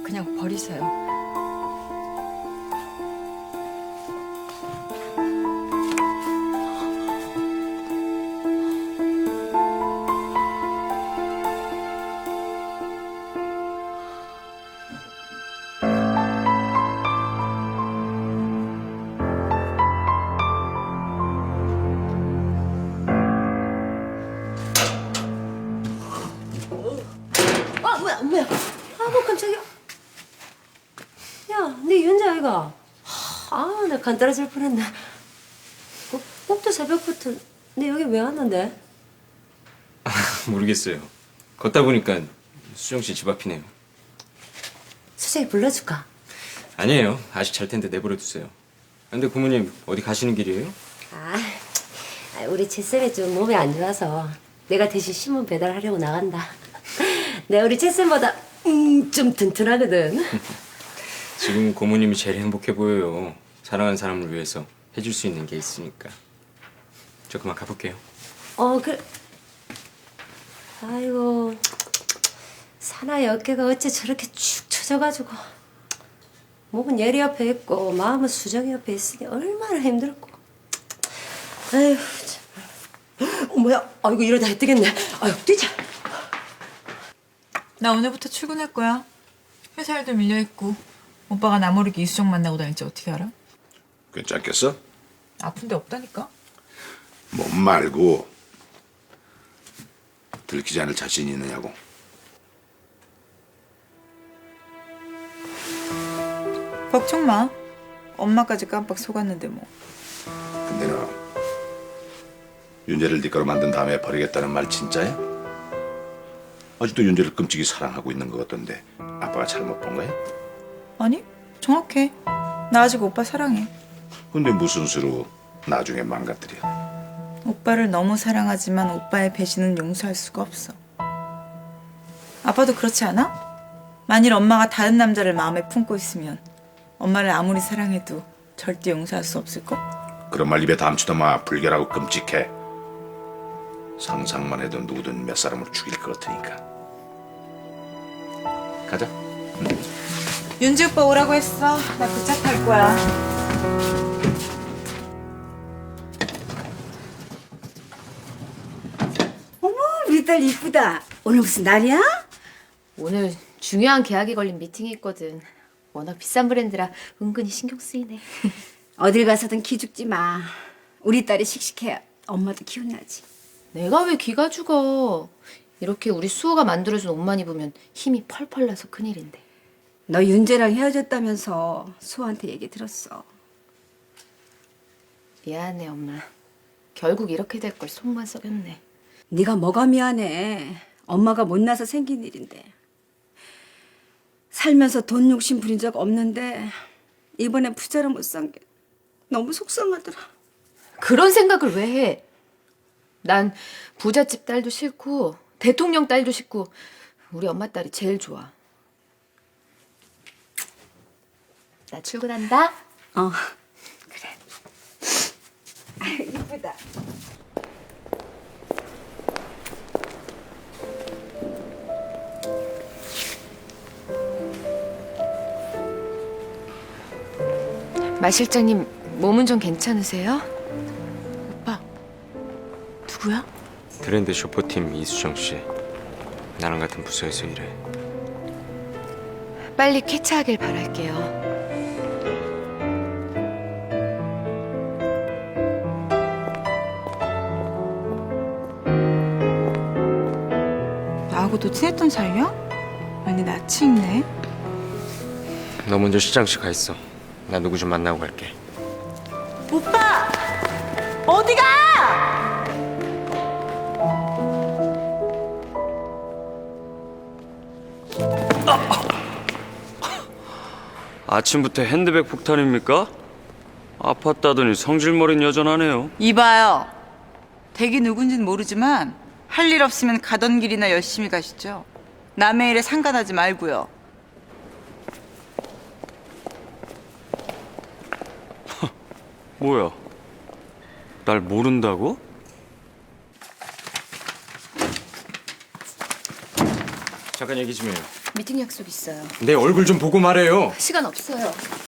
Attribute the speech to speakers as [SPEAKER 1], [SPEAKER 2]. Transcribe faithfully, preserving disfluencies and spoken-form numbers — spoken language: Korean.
[SPEAKER 1] 그냥 버리세요.
[SPEAKER 2] 아 뭐야 뭐야 아 뭐 깜짝이야. 야 네 윤자 아이가. 아 나 간 떨어질 뻔했네. 꼭, 꼭또 새벽부터 네 여기 왜 왔는데?
[SPEAKER 3] 모르겠어요. 걷다 보니까 수정 씨 집 앞이네요.
[SPEAKER 2] 수정이 불러줄까?
[SPEAKER 3] 아니에요. 아직 잘 텐데 내버려 두세요. 근데 고모님 어디 가시는 길이에요?
[SPEAKER 2] 아 우리 채쌤이 좀 몸이 안 좋아서 내가 대신 신문 배달하려고 나간다. 내가 우리 채쌤보다 음, 좀 튼튼하거든.
[SPEAKER 3] 지금 고모님이 제일 행복해 보여요. 사랑하는 사람을 위해서 해줄 수 있는 게 있으니까. 저 그만 가볼게요.
[SPEAKER 2] 어 그래. 아이고 사나이 어깨가 어째 저렇게 축 처져가지고 목은 예리 옆에 있고 마음은 수정이 옆에 있으니 얼마나 힘들었고. 아이고 참. 어, 뭐야? 아이고 이러다 해 뜨겠네. 아이고 뛰자.
[SPEAKER 1] 나 오늘부터 출근할 거야. 회사 일도 밀려있고 오빠가 나 모르게 이수정 만나고 다닐지 어떻게 알아?
[SPEAKER 4] 괜찮겠어?
[SPEAKER 1] 아픈 데 없다니까?
[SPEAKER 4] 몸 말고 들키지 않을 자신이 있느냐고.
[SPEAKER 1] 걱정 마. 엄마까지 깜빡 속았는데 뭐.
[SPEAKER 4] 근데 너 윤재를 네 거로 만든 다음에 버리겠다는 말 진짜야? 아직도 윤재를 끔찍이 사랑하고 있는 것 같던데 아빠가 잘못 본 거야?
[SPEAKER 1] 아니 정확해. 나 아직 오빠 사랑해.
[SPEAKER 4] 근데 무슨 수로 나중에 망가뜨려?
[SPEAKER 1] 오빠를 너무 사랑하지만 오빠의 배신은 용서할 수가 없어. 아빠도 그렇지 않아? 만일 엄마가 다른 남자를 마음에 품고 있으면 엄마를 아무리 사랑해도 절대 용서할 수 없을걸?
[SPEAKER 4] 그런 말 입에 담지도 마. 불결하고 끔찍해. 상상만 해도 누구든 몇 사람을 죽일 것 같으니까. 가자.
[SPEAKER 1] 윤지 오빠 오라고 했어. 나 그 차 탈 거야.
[SPEAKER 5] 어머, 우리 딸 이쁘다. 오늘 무슨 날이야?
[SPEAKER 6] 오늘 중요한 계약이 걸린 미팅이 있거든. 워낙 비싼 브랜드라 은근히 신경 쓰이네.
[SPEAKER 5] 어딜 가서든 기죽지 마. 우리 딸이 씩씩해야 엄마도 기운 나지.
[SPEAKER 6] 내가 왜 기가 죽어. 이렇게 우리 수호가 만들어준 옷만 입으면 힘이 펄펄 나서 큰일인데.
[SPEAKER 5] 너 윤재랑 헤어졌다면서 수호한테 얘기 들었어.
[SPEAKER 6] 미안해 엄마. 결국 이렇게 될 걸 속만 썩였네.
[SPEAKER 5] 네가 뭐가 미안해. 엄마가 못나서 생긴 일인데. 살면서 돈 욕심 부린 적 없는데 이번에 부자를 못 산 게 너무 속상하더라.
[SPEAKER 6] 그런 생각을 왜 해? 난 부잣집 딸도 싫고 대통령 딸도 싫고 우리 엄마 딸이 제일 좋아. 나 출근한다.
[SPEAKER 5] 어, 그래. 아, 이쁘다.
[SPEAKER 6] 마 실장님 몸은 좀 괜찮으세요? 오빠 누구야?
[SPEAKER 3] 브랜드 쇼퍼팀 이수정 씨. 나랑 같은 부서에서 일해.
[SPEAKER 6] 빨리 쾌차하길 바랄게요.
[SPEAKER 1] 나하고도 친했던 사이야? 많이 낯이 익네.
[SPEAKER 3] 너 먼저 시장실 가 있어. 나 누구 좀 만나고 갈게.
[SPEAKER 1] 오빠! 어디가!
[SPEAKER 7] 아침부터 핸드백 폭탄입니까? 아팠다더니 성질머리는 여전하네요.
[SPEAKER 8] 이봐요. 댁이 누군진 모르지만 할 일 없으면 가던 길이나 열심히 가시죠. 남의 일에 상관하지 말고요.
[SPEAKER 7] 뭐야? 날 모른다고?
[SPEAKER 3] 잠깐 얘기 좀 해요.
[SPEAKER 6] 미팅 약속 있어요.
[SPEAKER 3] 내 얼굴 좀 보고 말해요.
[SPEAKER 6] 시간 없어요.